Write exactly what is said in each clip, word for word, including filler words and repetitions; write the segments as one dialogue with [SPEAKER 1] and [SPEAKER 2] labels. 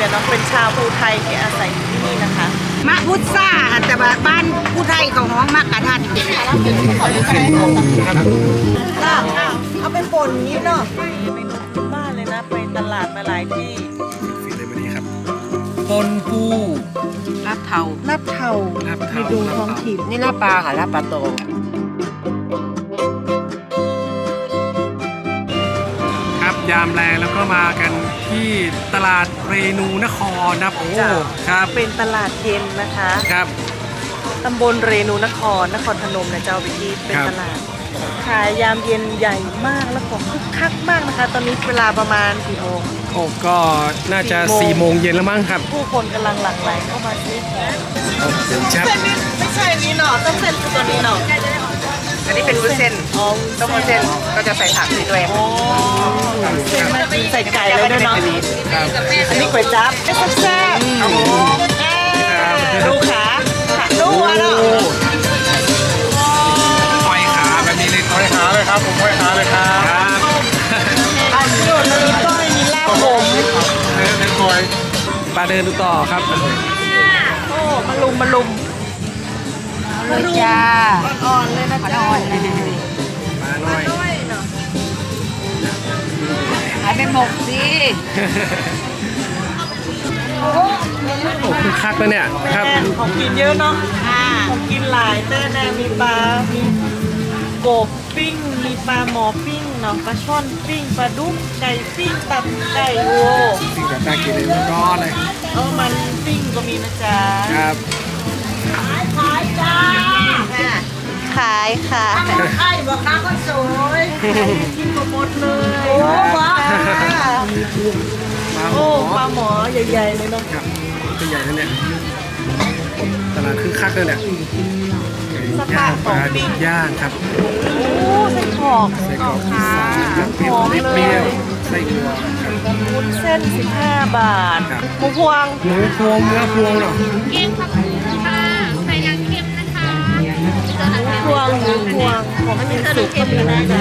[SPEAKER 1] ยเนาะเป็นชาวภูไทยที่อาศัยอยู่ที่นี่นะคะ
[SPEAKER 2] มะพุทซ่าแต่บ้านผู้ไทยเขาห้องมะกะทันเอาไปป่นนี้เนาะ
[SPEAKER 1] เมนูพื้นบ้านเลยนะไปตลาดมาหลายที่
[SPEAKER 3] ฟินเลยวันนี้ครับปนปู
[SPEAKER 2] ลาบเทา
[SPEAKER 1] ลาบเทาไปดูท้องถิ่น
[SPEAKER 2] นี่ลาบปลาค่ะลาบปลาโต
[SPEAKER 3] ครับยามแรงแล้วก็มากันที่ตลาดเรนูนครนะโอ้ครับ
[SPEAKER 1] เป็นตลาดเย็นนะคะ
[SPEAKER 3] ครับ
[SPEAKER 1] ตำบลเรนูนครนครพนมนะเจ้าวิธีเป็นตลาดขายยามเย็นใหญ่มากแล้วก็คึกคักมากนะคะตอนนี้เวลาประมาณกี่โมง
[SPEAKER 3] โอ้ก็น่าจะสี่โมงเย็นแล้วมั้งครับ
[SPEAKER 1] ผู้คนกำลังหลั่งไหลเข้ามาซื้อของ
[SPEAKER 3] เส้นชับ
[SPEAKER 1] ไม่ใช่นี่เนาะต้องเส้นคือตัวนี้เนาะ
[SPEAKER 2] อันนี้เป็นวุ้นเส้นต้มวุ้นเส้นก็จะใส่ผักด้วย
[SPEAKER 1] โอ้ใส่ไก่เลยด้วยเนาะอันนี้ก๋วยจั๊บแซ่บๆดูขาดูอ่ะเนาะ
[SPEAKER 3] ห้อยขาแบบนี้เลยห้อยขาเลยครับผมห้อยขาเลยครับ
[SPEAKER 1] อันนี้มันมีก้อยมีลาบผม
[SPEAKER 3] เนื้อเนื้อก้อยปลาเดินดูต่อครับ
[SPEAKER 1] โอ้มาลุมมาลุม
[SPEAKER 2] เลยจ้า
[SPEAKER 1] อ่อนเลยนะจ๊ะ
[SPEAKER 3] มาหน่อย
[SPEAKER 2] หายไปหมกสิ
[SPEAKER 3] โอ้คือคักแล้วเนี่ยครับ
[SPEAKER 1] ของกินเยอะเนาะของกินหลายเต้แน่มีปลามีกบปิ้งมีปลาหมอปิ้งเนาะปลาช่อนปิ้งปลาดุกไก่ปิ้งตับไก่โว้
[SPEAKER 3] ปิ้งแบบน่ากินเลยร้อนเลย
[SPEAKER 1] เออมันปิ้งก็มีนะจ๊ะ
[SPEAKER 3] ครับ
[SPEAKER 1] ขายขายจ้าขายค่ะ
[SPEAKER 2] ขายบอกค้าก็สวย
[SPEAKER 1] กินหมดเลยโอ้ว้าโอ้ปลาหมอใหญ่ๆเลยเนาะ
[SPEAKER 3] ครับตัวใหญ่นั่นเนี่ยตลาดคือคักเลยเนี่ยย่างปลาดิบย่างครับ
[SPEAKER 1] โอ้ไส้กรอก
[SPEAKER 3] ไส้กรอกอีสานเปรี้ยวเปรี้ยวไส้อั่ว
[SPEAKER 1] วุ้นเส้นสิบห้าบาทหมูพวง
[SPEAKER 3] หมูพวงเนื้อพวงเหรอ
[SPEAKER 4] เกี๊ยวผักบุ้งค่ะใส่น้ำเค็มนะคะ
[SPEAKER 1] พวงหมูพวงของกินสุกก็มีนะจ๊ะ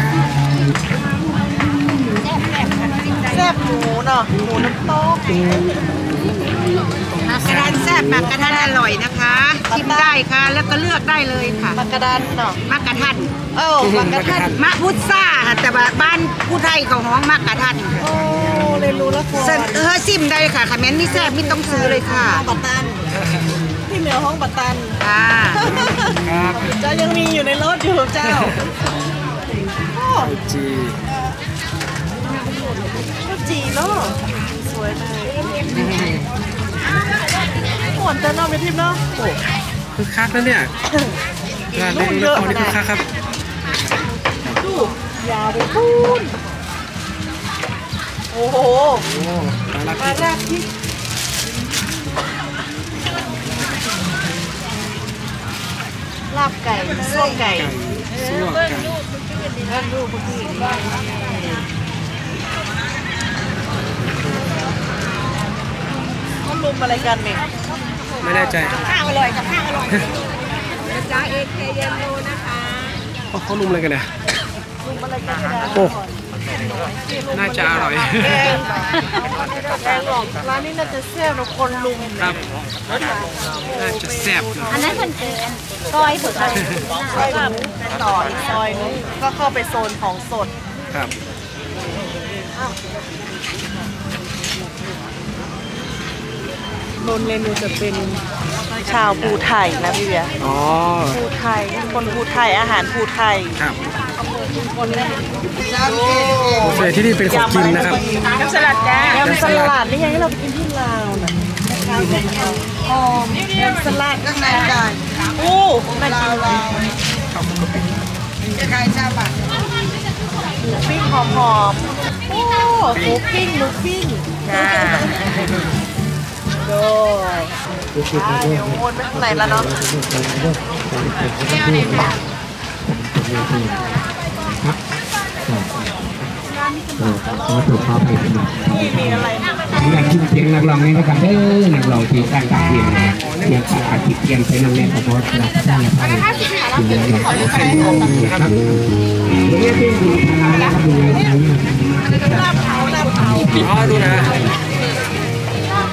[SPEAKER 1] แซ่บหมูเนาะหมูน้ำต๊อก
[SPEAKER 2] มากระดานแซ่บมากระดานอร่อยนะคะชิมได้ค่ะแล้วก็เลือกได้เลยค่ะ
[SPEAKER 1] มากระดานเนาะ
[SPEAKER 2] มากระทัน
[SPEAKER 1] เออมากระทัน
[SPEAKER 2] มะพุทซ่าแต่บ้านผู้ไทยเขาห้องมากระทัน
[SPEAKER 1] โอ้เรียนรู้แล้วค่ะ
[SPEAKER 2] เออชิมได้ค่ะคอมเมนต์นี่แซ่บไม่ต้องซื้อเลยค่ะ
[SPEAKER 1] ปัตตันที่เหนือห้องปัตตัน
[SPEAKER 2] ค่ะ
[SPEAKER 1] เจ้ายังมีอยู่ในรถอยู่เจ้า
[SPEAKER 3] จี
[SPEAKER 1] จีเนาะสวยเลยหวานแต่นอกไปทิพย์เนาะโอ้
[SPEAKER 3] คือคักแล้วเนี่ยร้านเล็กๆนี่คือคักครับ
[SPEAKER 1] ดูยาวไปพูนโอ้โหมาแรกที่ลาบไก่ส้มไก่
[SPEAKER 3] ส้มไก่
[SPEAKER 1] แล้วดูพอดีเขาลุมอะไรกันเนี่ย
[SPEAKER 3] ไม่แน่ใจ
[SPEAKER 2] ข้าวอร่อยกับข้าวอร่อยจ้าเอเคเยนโลนะคะ
[SPEAKER 3] เขาลุมอะไรกันเนี่ย
[SPEAKER 1] ลุมอะไรกัน
[SPEAKER 3] โอ้น่าจะอร่อย
[SPEAKER 1] แกงหลอกร้านนี้น่าจะแซ่บนะคนลุม
[SPEAKER 3] ครับน่าจะแซ่บ
[SPEAKER 4] อันนั้นมันคือก้อยสดเลย
[SPEAKER 1] ซอยแบบต่ออีกซอยนึงก็เข้าไปโซนของสด
[SPEAKER 3] ครับ
[SPEAKER 1] นนเรนูจะเป็นชาวภูไทยนะพี่เบียร์
[SPEAKER 3] อ๋อ
[SPEAKER 1] ภูไทยคนภูไทยอาหารภูไทย
[SPEAKER 3] ครับส่วนที่นี่เป็นของกินนะครับ
[SPEAKER 1] ยำสลัดจ้ายำสลัดนี่ยังให้เราไปกินที่ลาวนะหอมยำสลัดข้างในไก่โอ้ลาวลาวจะขายชาบัตรหมูปิ้งหอมหอมโอ้หมูปิ้งหมูปิ้งนะโดยเดี๋ยววนไปข้างในแล้วเนาะนี่มีอะไร
[SPEAKER 5] อยากชิมเสียงนักร้องนี่นะครับเด้อนักร้องที่ตั้งตาเพียงเสียงอาทิตย์เพียงใช้น้ำแน่นเพราะว่าเราได้ไปถึงแล้วเราเป็นครับเรียกเป็นดูทางนะครับดู
[SPEAKER 1] ลาบเผาลาบเผา
[SPEAKER 3] อ๋อดูนะ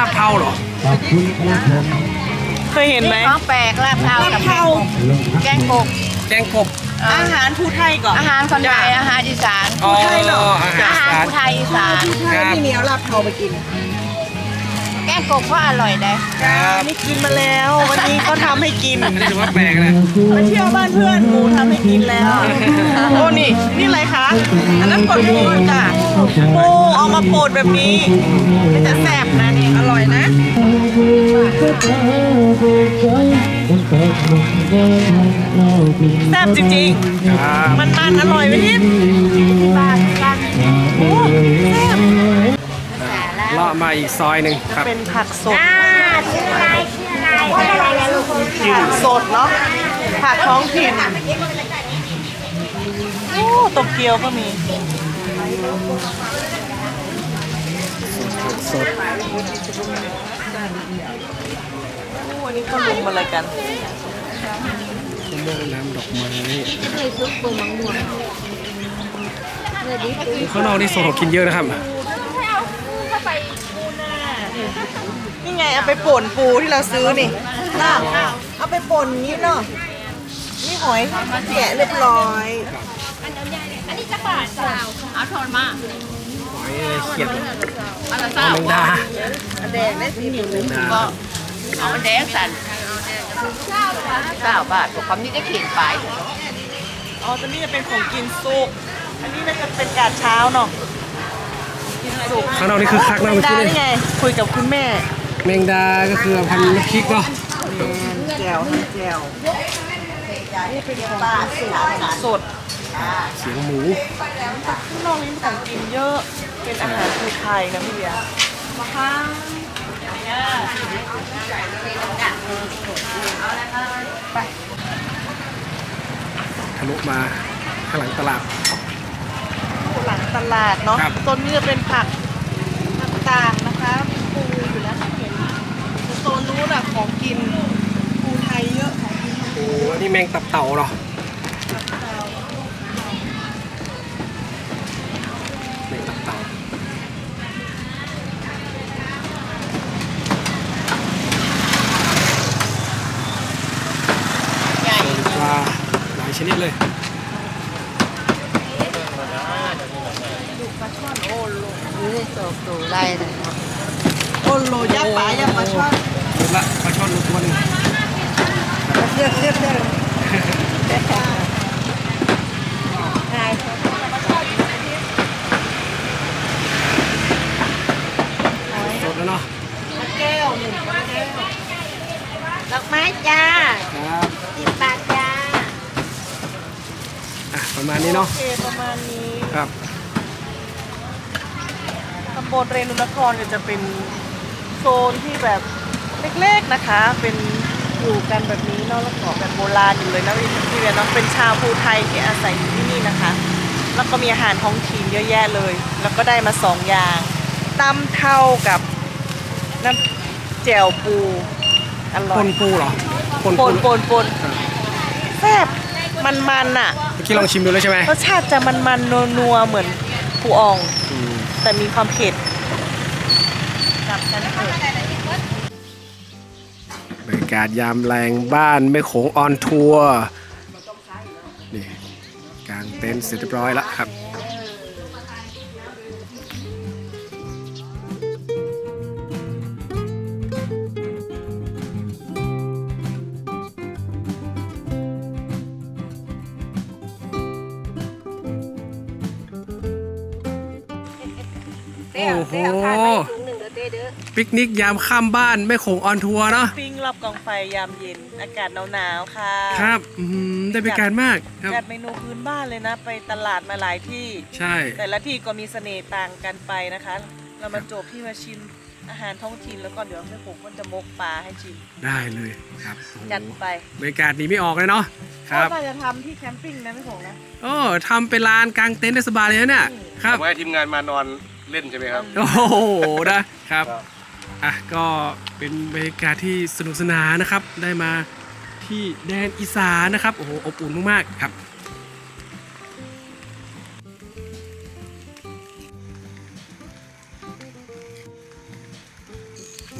[SPEAKER 3] าบเทาเหรอ
[SPEAKER 5] ขอบคุณครับผม
[SPEAKER 1] เคยเห็นไหม
[SPEAKER 2] ของแปลกลาบเทากับ
[SPEAKER 1] เทา
[SPEAKER 2] แกงกบ
[SPEAKER 3] แกงกบ
[SPEAKER 1] อาหารภูไทยก่อน
[SPEAKER 2] อาหารคนไทยอาหารอีสาน
[SPEAKER 3] อ๋อ
[SPEAKER 1] ไทยเหรอ
[SPEAKER 3] อาหาร
[SPEAKER 2] อาหาร
[SPEAKER 3] สาร
[SPEAKER 2] ไทยอีสาน
[SPEAKER 3] ครับ
[SPEAKER 1] ที่เหนียวลาบเทาไปกิน
[SPEAKER 2] แกงกบก็อร่อยได้
[SPEAKER 3] ครับ
[SPEAKER 1] นี่กินมาแล้ว วันนี้เขาทำให้กิน
[SPEAKER 3] อันนี้ถือว่าแปลกนะ
[SPEAKER 1] ไปเที่ยวบ้านเพื่อนหมูทำให้กินแล้ว โอ้นี่ นี่อะไรคะ อันนั้นปนปูจ้ะปูเอามาโปดแบบนี้มันจะแซ่บนะนี่ อร่อยนะ แซ่บจริง
[SPEAKER 3] ครับ
[SPEAKER 1] ๆ มันมันๆอร่อยไหมทิพย์โอ้แซ่บ
[SPEAKER 3] เลาะมาอีกซอยหนึ่งครับ
[SPEAKER 1] เป็นผักสด
[SPEAKER 4] ชื่ออะไรชื่ออะไรอะไรลูก
[SPEAKER 1] ผักสดเนาะ ผักท้องถิ่น โอ้โตเกียวก็มี
[SPEAKER 3] สด
[SPEAKER 1] โอ้อันนี้เขาลุมอะไรกัน
[SPEAKER 3] มะม่วงน้ำดอกไม้ข้างนอกนี่โซนของกินเยอะนะครับ
[SPEAKER 1] นี่ไงเอาไปป่นปูที่เราซื้อนี่น่าเอาไปป่นอย่างนี้เนาะ นี่หอยแกะเรียบร้อย
[SPEAKER 4] อันนี้จะบาทสาวเอาทอนมา
[SPEAKER 3] หอยอะไรเขียด
[SPEAKER 4] อันละ
[SPEAKER 3] อ๋อ
[SPEAKER 4] สาว
[SPEAKER 3] แมงดา
[SPEAKER 1] อันแดงได้สีเหลือง
[SPEAKER 3] แมงดา
[SPEAKER 2] เอาแดงสันเก้าบาทกับความนี้จะเขียนไป
[SPEAKER 1] อ๋อตัวนี้จะเป็นของกินสุก อันนี้น่าจะเป็นกาดเช้าเนาะ กินสุก
[SPEAKER 3] ข้างนอกนี่คือคักนะ
[SPEAKER 1] แม
[SPEAKER 3] เมื่
[SPEAKER 1] ง
[SPEAKER 3] อ
[SPEAKER 1] ดา
[SPEAKER 3] กี้
[SPEAKER 1] นี่
[SPEAKER 3] นี่
[SPEAKER 1] ไง คุยกับคุณแม่
[SPEAKER 3] แมงดาก็คือพันธุ์น้ำพริกเนาะ
[SPEAKER 1] แจวแจวนี่เป็นของสด
[SPEAKER 3] เสียงหมู
[SPEAKER 1] ข้างนอกนี้มีของกินเยอะ เป็นอาหารภูไทยนะพี่เบียร์มาค่ะ
[SPEAKER 3] ทะลุมาข้างหลังตลาด
[SPEAKER 1] หลังตลาดเนาะ
[SPEAKER 3] ครับ
[SPEAKER 1] ต้นนี้จะเป็นผักผักกาดนะคะมีปูอยู่แล้วเห็นแต่โซนนู้นอะของกินปูไทยเยอะของกิน
[SPEAKER 3] โอ้อันนี้แมงตับเต่าเหรอแมงตับเต่า
[SPEAKER 2] ใหญ่
[SPEAKER 3] ปลาหลายชนิดเลย
[SPEAKER 2] นี่โตโตไล่เลย
[SPEAKER 1] โอ้โหยักษ์ป่ายักษ์ปลาช่อน
[SPEAKER 3] ดูละปลาช่อนลูกตัวหนึง
[SPEAKER 1] เรียกเรียกเรียก
[SPEAKER 3] สดแล้วเนาะ
[SPEAKER 1] แก้วหนึ่งแก้ว
[SPEAKER 4] ดอกไม้จ้า
[SPEAKER 3] ครับ
[SPEAKER 4] สิบบาทจ้า
[SPEAKER 3] อ่ะประมาณนี้เนาะ
[SPEAKER 1] โอเคประมาณนี้
[SPEAKER 3] ครับ
[SPEAKER 1] ตำบลเรนุนครก็จะเป็นโซนที่แบบเล็กๆนะคะ เป็นอยู่กันแบบนี้เนาะแล้วก็แบบโบราณอยู่เลยนะพี่พี่เวียนเนาะเป็นชาวภูไทยที่อาศัยอยู่ที่นี่นะคะ แล้วก็มีอาหารท้องถิ่นเยอะแยะเลย แล้วก็ได้มาสองอย่างตำเท่ากับน้ำแจ่วปูอร่
[SPEAKER 3] ป
[SPEAKER 1] อย
[SPEAKER 3] นปูเหรอปน
[SPEAKER 1] ป
[SPEAKER 3] ปู
[SPEAKER 1] นปนปนแซ่บมันมันๆอ่ะ
[SPEAKER 3] เมื่อกี้ลองชิมดูแล้วใช่ไหม
[SPEAKER 1] รสชาติจะมันมันนัวนัวๆเหมือนปูอ่อง
[SPEAKER 3] อืม
[SPEAKER 1] แต่มีความเผ็ดกลับกันเถอะ
[SPEAKER 3] บรรยากาศยามแรงบ้านแม่โขงออนทัวร์นี่กางเต็นท์เสร็จเรียบร้อยแล้วครับ โอ้โหปิกนิกยามค่ำบ้านแม่โขงออนทัวร์เนาะ
[SPEAKER 1] ปิ้งรอบกองไฟยามเย็น อากาศหนาวๆค่ะ
[SPEAKER 3] ครับอืมได้บรรยากาศมากครับ
[SPEAKER 1] จัดเมนูพื้นบ้านเลยนะ ไปตลาดมาหลายที่
[SPEAKER 3] ใช่
[SPEAKER 1] แต่ละที่ก็มีเสน่ห์ต่างกันไปนะคะ เรามาจบที่มาชิมอาหารท้องถิ่นแล้วก็เดี๋ยวแม่ผมก็จะมกปลาให้ชิม
[SPEAKER 3] ได้เลยครับโอ้โห
[SPEAKER 1] จัดไป
[SPEAKER 3] บรรยากาศหนีไม่ออกเลยเนาะครับ
[SPEAKER 1] ก็จะทำที่แคมปิ้งนะแม่ผมนะ
[SPEAKER 3] โอ้ทำเป็นลานกางเต็นท์ได้สบายเลยนะเนี่ยครับ
[SPEAKER 6] ไว้ทีมงานมานอนเล่นใช่ไหมครับ
[SPEAKER 3] โอ้โหนะครับอ่ะก็เป็นบรรยากาศที่สนุกสนานนะครับ ได้มาที่แดนอีสานนะครับโอ้โหอบอุ่นมากๆครับ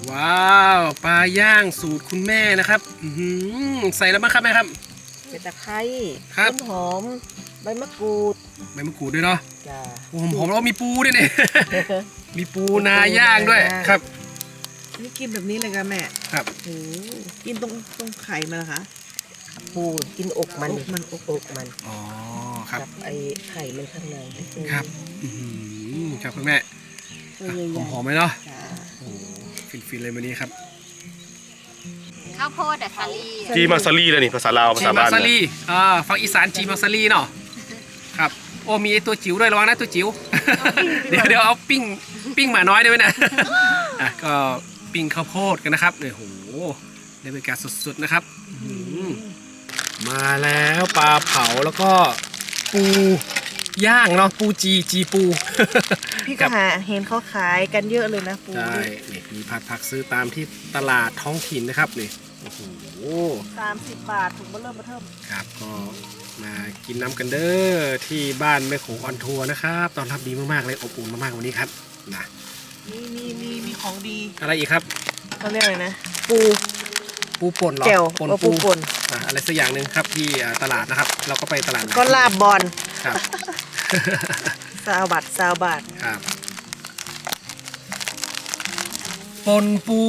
[SPEAKER 3] ว้าวปลาย่างสูตรคุณแม่นะครับอื้อหือใส่แล้วมั้งครับแม่ครับ
[SPEAKER 1] เป็นตะไคร้
[SPEAKER 3] ครับ
[SPEAKER 1] ต้นหอมใบมะกรูด
[SPEAKER 3] ใบมะกรูดด้วยเนาะ
[SPEAKER 1] จ้า
[SPEAKER 3] โอ้โหผมแล้วมีปูด้วยเนี่ย มีปูนาย่างด้วยครับ
[SPEAKER 1] นี่กินแบบนี้เลยค่ะแม่
[SPEAKER 3] ครับ
[SPEAKER 1] โอ้กินตรงตรงไข่มันเหรอคะ
[SPEAKER 2] ปูกินอกมัน
[SPEAKER 1] อกมันอก
[SPEAKER 2] อกมัน
[SPEAKER 3] อ๋อครับ
[SPEAKER 2] กับไอไข่มันข้างใน
[SPEAKER 3] ครับอื้อหือครับคุณแม่
[SPEAKER 1] ตัวใหญ่
[SPEAKER 3] หอม
[SPEAKER 1] ๆ
[SPEAKER 3] หอมไหมเนาะ
[SPEAKER 1] จ้า
[SPEAKER 3] โอ้โหฟินๆเลยวันนี้ครับ
[SPEAKER 4] ข้าวโพดอะซาลี
[SPEAKER 6] จีมาซารีเลยนี่ภาษาลาวภา
[SPEAKER 3] จี
[SPEAKER 6] ษา
[SPEAKER 3] มา
[SPEAKER 6] บ้าน
[SPEAKER 3] ซา
[SPEAKER 6] เนี่ย
[SPEAKER 3] รีอ่าฝั่งอีสานจีมาซารีเนาะครับโอ้มีไอตัวจิ๋วด้วยระวังนะตัวจิ๋ว เดี๋ยวเดี๋ยวเอาปิ้งปิ้งหมาน้อยได้ไหมนะอ่ะก็ปิ้งข้าวโพดกันนะครับเนี่ยโหได้บรรยากาศสดๆนะครับอื้อหือมาแล้วปลาเผาแล้วก็ปูย่างเนาะปูจีจีปู
[SPEAKER 1] พี่
[SPEAKER 3] ค
[SPEAKER 1] ก็
[SPEAKER 3] รับ
[SPEAKER 1] หาเห็นเขาขายกันเยอะเลยนะปู
[SPEAKER 3] ใช่นี่มีผักผักซื้อตามที่ตลาดท้องถิ่นนะครับนี่โอ้โห
[SPEAKER 1] สามสิบบาทถุงเบอร์เริ่มมาเทิม
[SPEAKER 3] ครับก็มากินน้ำกันเด้อที่บ้านแม่โขงออนทัวร์นะครับตอนรับดีมากๆเลยอบอุ่นมากๆวันนี้ครับนะ
[SPEAKER 1] มีมีมีมีของดี
[SPEAKER 3] อะไรอีกครับ
[SPEAKER 1] เขาเรียกอะไรนะ ปู
[SPEAKER 3] ปูป่นเหรอ
[SPEAKER 1] แจ่ว
[SPEAKER 3] ป่น
[SPEAKER 1] เอา
[SPEAKER 3] ปู
[SPEAKER 1] ปูป่น
[SPEAKER 3] อ่ะอะไรสักอย่างหนึ่งครับที่อ่าตลาดนะครับ เราก็ไปตลาด
[SPEAKER 1] ก็ลาบบอล
[SPEAKER 3] ครับ
[SPEAKER 1] ซาวบัตซาวบัต
[SPEAKER 3] ครับป่นปู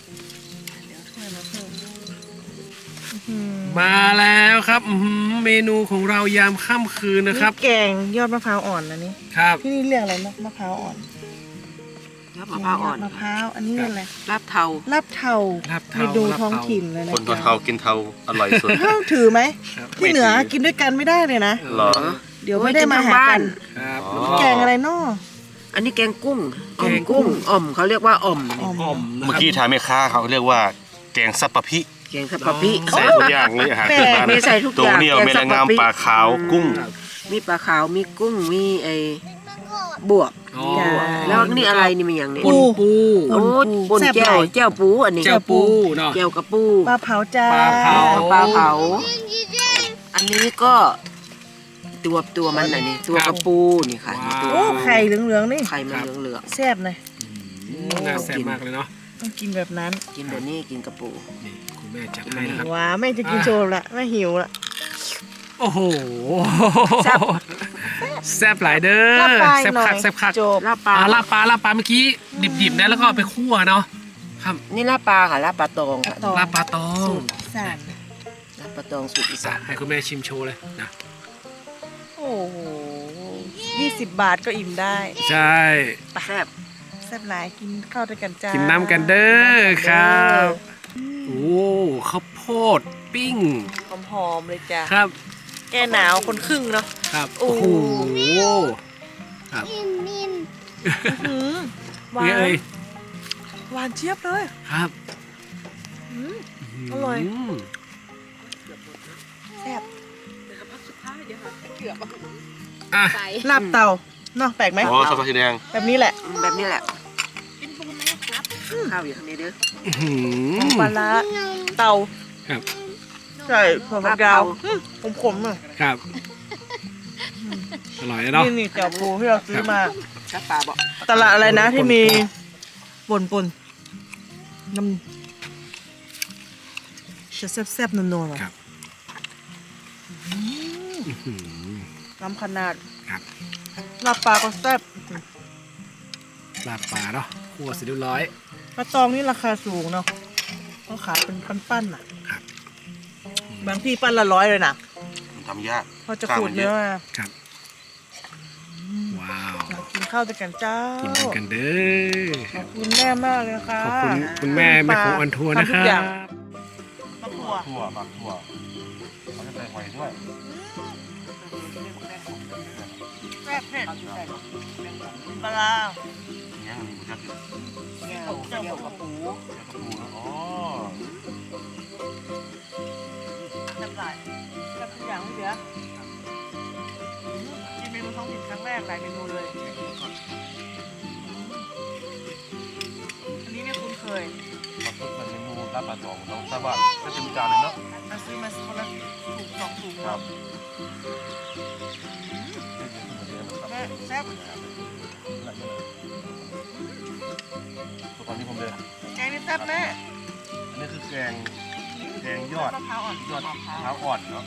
[SPEAKER 3] มาแล้วครับอื้อหือเมนูของเรายามค่ำคืนนะครับ
[SPEAKER 1] นี่แกงยอดมะพร้าวอ่อนนะนี่
[SPEAKER 3] ครับ
[SPEAKER 1] ที่นี่เรียกอะไรนะมะพร้าวอ่อน
[SPEAKER 2] ยอดมะพร้าวอ่อน
[SPEAKER 1] มะพร้าวอันนี้เรียกอะไร
[SPEAKER 2] ลาบเทา
[SPEAKER 1] ลาบเทา
[SPEAKER 3] ลาบเทา
[SPEAKER 1] เมนู
[SPEAKER 3] ลาบเทา
[SPEAKER 1] ท้องถิ่นเลยนะ
[SPEAKER 6] คนตัวเทากินเทาอร่อยสุด
[SPEAKER 1] เท่าถือไหม
[SPEAKER 3] ครับ
[SPEAKER 1] ที่เหนือกินด้วยกันไม่ได้เลยนะ
[SPEAKER 6] เหรอ
[SPEAKER 1] เดี๋ยวไม่ได้มาหากัน
[SPEAKER 3] ครับ
[SPEAKER 6] อ๋อ
[SPEAKER 1] แกงอะไรเนาะ
[SPEAKER 2] อันนี้แกงกุ้ง
[SPEAKER 3] แกงกุ้ง
[SPEAKER 2] อ่อมเขาเรียกว่าอ่อม
[SPEAKER 1] อ่อม
[SPEAKER 3] อ่อมนะ
[SPEAKER 6] เมื่อ
[SPEAKER 3] ครับ
[SPEAKER 6] กี้ถามแม่ค้าเขาเรียกว่าแกงซับปะพิ
[SPEAKER 2] แกงสับปะพิ
[SPEAKER 6] ใส่ทุกอย่างเลยอาหารพื้นบ้าน
[SPEAKER 2] มีใส่ทุกอย่าง
[SPEAKER 6] ตัวนี้เอาเมลงามปลาขาวกุ้ง
[SPEAKER 2] มีปลาขาวมีกุ้งมีไอ้บวบ
[SPEAKER 3] อ๋อ
[SPEAKER 2] แล้วนี่อะไรนี่มันอย่างนี้
[SPEAKER 3] ป่นปู
[SPEAKER 2] โอ้ปน
[SPEAKER 1] แซ่บ
[SPEAKER 2] แก้
[SPEAKER 1] ห
[SPEAKER 2] ว
[SPEAKER 1] ลาย
[SPEAKER 2] แก้วปูอันนี้
[SPEAKER 3] เจ้าปูเนาะ
[SPEAKER 2] แก้วกระปู
[SPEAKER 1] ปลาเผาจ้า
[SPEAKER 3] ปลาเผา
[SPEAKER 2] ปลาเผา อันนี้ก็ตัวตัวมันอันนี้ตัวกระปูนี่ค่ะ
[SPEAKER 3] ว้าว
[SPEAKER 2] ตัว
[SPEAKER 1] โอ้ไข่เหลืองๆนี่
[SPEAKER 2] ไข่มันเหลือง
[SPEAKER 1] แซ่บเลย
[SPEAKER 3] อืมน่าแซ่บมากเลยเนาะ
[SPEAKER 1] ต้องกินแบบนั้น
[SPEAKER 2] ๆกินแบบนี้กินกระปู
[SPEAKER 3] นี่คุณแม่จัดให้นะครับ
[SPEAKER 1] ว้าแม่จะกินโชว์ละแม่หิวละ
[SPEAKER 3] โอ้โห
[SPEAKER 2] แซ่บ
[SPEAKER 3] แซ่บหลายเด้อ
[SPEAKER 1] ลาบปลา
[SPEAKER 3] แซ่บ
[SPEAKER 1] หน่อ
[SPEAKER 3] คั
[SPEAKER 1] ย
[SPEAKER 3] กแซ่บคัก
[SPEAKER 1] จบ
[SPEAKER 2] ลาบปลา
[SPEAKER 3] อ่าลาบปลาลาบปลาเมื่อกี้ดิบๆนะแล้วก็เอาไปคั่วเนาะครับ
[SPEAKER 2] นี่ลาบปลาค่ะลาบปลาตองค่ะ
[SPEAKER 1] ต่อ
[SPEAKER 3] ลาบปลาตอง
[SPEAKER 1] สาน
[SPEAKER 2] ลาบปลาตองสูตรอีสาน
[SPEAKER 3] ให้คุณแม่ชิมโชว์เลยนะ
[SPEAKER 1] โอ้โหยี่สิบบาทก็อิ่มได้
[SPEAKER 3] ใช่
[SPEAKER 2] แซ่บ
[SPEAKER 1] แซ่บหลายกินข้าวด้วยกันจ้า
[SPEAKER 3] กิ
[SPEAKER 1] กิ
[SPEAKER 3] นน้ำกันเด้อครับโอ้ข้าวโพดปิ้ง
[SPEAKER 1] หอมๆเลยจ้า
[SPEAKER 3] ครับ
[SPEAKER 1] แก้หนาวคนครึ่งเนาะ
[SPEAKER 3] ครับ
[SPEAKER 1] โอ้
[SPEAKER 3] โอ้โหครับ
[SPEAKER 1] หืมหวา
[SPEAKER 3] เอ้ย
[SPEAKER 1] นหวานเจี๊ยบเลย
[SPEAKER 3] ครับ
[SPEAKER 1] อืม อร่อย
[SPEAKER 3] ม
[SPEAKER 1] แซ่บ
[SPEAKER 3] อ่ะ
[SPEAKER 4] ใส่
[SPEAKER 1] ลาบเต่าเนาะแปลกไหม
[SPEAKER 6] อ๋อสปาสีแดง
[SPEAKER 1] แบบนี้แหละ
[SPEAKER 2] แบบนี้แหละ
[SPEAKER 4] เป็นปูไหมครับ
[SPEAKER 2] ข้าวอยู่ข้างในเด้อ
[SPEAKER 3] อื้อหื
[SPEAKER 1] ของ
[SPEAKER 3] อ
[SPEAKER 1] ปลาร้าเต่า
[SPEAKER 3] ครับ
[SPEAKER 1] ใช่ถั่วฝักยาวอืมขมๆอ่ะ
[SPEAKER 3] ครับอร่อยเลยเนาะ
[SPEAKER 1] นี่นี่เจ้าปูที่เราซื้อมา
[SPEAKER 2] ลาบปลาบอก
[SPEAKER 1] ตลาดอะไรนะที่มีป่นป่นๆน้ำจะแซ่บๆนัวๆหน่อย
[SPEAKER 3] ครับอื้อหือ
[SPEAKER 1] น้ำขนาด
[SPEAKER 3] ครับ
[SPEAKER 1] ลาบปลาก็แซ่บ
[SPEAKER 3] ลาบปลาเนาะคั่วเสร็จเรียบร้อย
[SPEAKER 1] ปลาตองนี่ราคาสูงเนาะเขาขายเป็นปั้นๆน่ะ
[SPEAKER 3] ครับ
[SPEAKER 1] บางที่ปั้นละร้อยเลยนะ
[SPEAKER 6] มันทำยาก
[SPEAKER 1] พอจะขูดเนื้อมา
[SPEAKER 3] ครับว้าว
[SPEAKER 1] มากินข้าวด้วยกันจ้า
[SPEAKER 3] กินกันเด้อ
[SPEAKER 1] ขอบคุณแม่มากเลยนะคะ
[SPEAKER 3] ขอบคุณคุณแม่แม่ของออนทัวร์นะค
[SPEAKER 1] ทำทุ
[SPEAKER 3] รั
[SPEAKER 1] กอย่าง
[SPEAKER 3] บ
[SPEAKER 1] มะกรูด
[SPEAKER 6] ถั่วปักถั่วเขาจะใส่หอยด้วย
[SPEAKER 1] แซ่บเผ็ดปลาร้า
[SPEAKER 6] เนี่ยมันมีกุจักอยู่
[SPEAKER 1] เจ้ากับปู
[SPEAKER 6] กระปูนะอ๋อ
[SPEAKER 1] แซ่บหลายแซ่บทุกอย่างไม่เหลือกินเมนูท้องถิ่นครั้งแรกหลายเมนูเลยอันนี้ไม่คุ้นเคย
[SPEAKER 6] มาเพิ่มเป็นเมนูลาบปลาตองเราทราบว่าก็จะมีจานหนึงเนาะ
[SPEAKER 1] มาซื้อมาคนละถุงสองถุง
[SPEAKER 6] ครับ
[SPEAKER 1] แม่แซ่บ
[SPEAKER 6] ตอนนี้ผมเลย
[SPEAKER 1] แกงนี่ซ่บแม่
[SPEAKER 6] อันนี้คือแกงแกงยอด
[SPEAKER 1] มะพร้าวอ่อน
[SPEAKER 6] ยอดมะพร้าวอ่อนเนาะ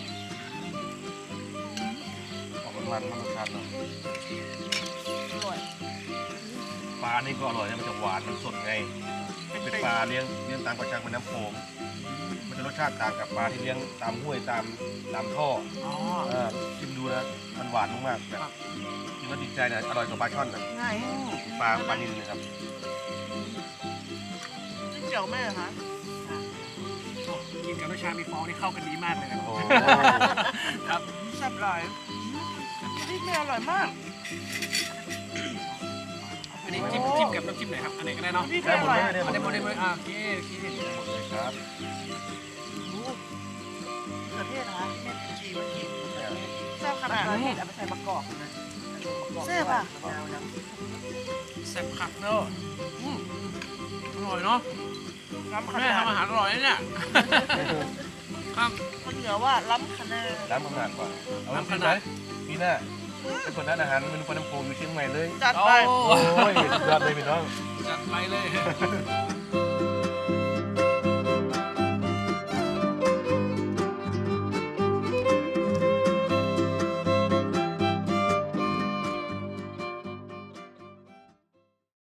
[SPEAKER 6] ออกมันมันมันชันเนาะ
[SPEAKER 1] อร่อย
[SPEAKER 6] ปลานี่ก็อร่อยนะมันจะหวานมันสดไงเป็นปลาเลี้ยงเลี้ยงตามกระชังเป็นน้ำโขงมันจะรสชาติต่างกับปลาที่เลี้ยงตามห้วยตามตามท่อ
[SPEAKER 3] อ๋อ
[SPEAKER 6] เออชิมดูนะมันหวานมากๆแบบกินแล้วติดใจนะอร่อยกว่าปลาช่อนนะ
[SPEAKER 1] ง่าย
[SPEAKER 6] ปลาปลานิลนะครับ
[SPEAKER 1] นี่เจียวแม่คะ
[SPEAKER 3] กินกับน้ำชามีฟองนี่เข้ากันดีมากเลยนะ
[SPEAKER 6] โอ้
[SPEAKER 3] ครับ
[SPEAKER 1] แซ่บหลายนี่แม่อร่อยมาก
[SPEAKER 3] อันนี้จิ้มจิ้มกับน้ำจิ้มไหนครับอันไหนก็ได้เนาะ
[SPEAKER 1] นี่
[SPEAKER 6] ได้
[SPEAKER 1] แม่อ
[SPEAKER 6] หมด
[SPEAKER 1] ร่อย
[SPEAKER 6] เลยได้หม
[SPEAKER 3] อัน
[SPEAKER 6] ด
[SPEAKER 3] นี้โม
[SPEAKER 6] เล
[SPEAKER 3] เด
[SPEAKER 6] ย
[SPEAKER 3] ลอ่าโอเคโอเค
[SPEAKER 6] ได้หมดเลยครับ
[SPEAKER 1] มะเขือเทศนะคะแม่จีเมื่อกี้แซ่บขนาดนี้เอาไปใส่มะกอกนะแซ่บอ่ะ
[SPEAKER 3] แซ่บคักเนอะอืมอร่อยเนาะ
[SPEAKER 1] ล้ำข
[SPEAKER 3] แม่
[SPEAKER 1] นาด
[SPEAKER 3] ทำอาหารอร่อยนะเนี่ยครับ
[SPEAKER 1] คนเหนือว่าล้ำขนาด
[SPEAKER 6] ร้านขนาดกว่าเอาน้ำขนาดพี่หน้าเป็นคนร้านอาหารเมนูปลาน้ำโขงอยู่เชียงใหม่เลย
[SPEAKER 1] จัด
[SPEAKER 3] โอ้
[SPEAKER 1] ไป
[SPEAKER 6] โอ้ยสุดยอดเลยพี่น้อง
[SPEAKER 3] จัดไปเลย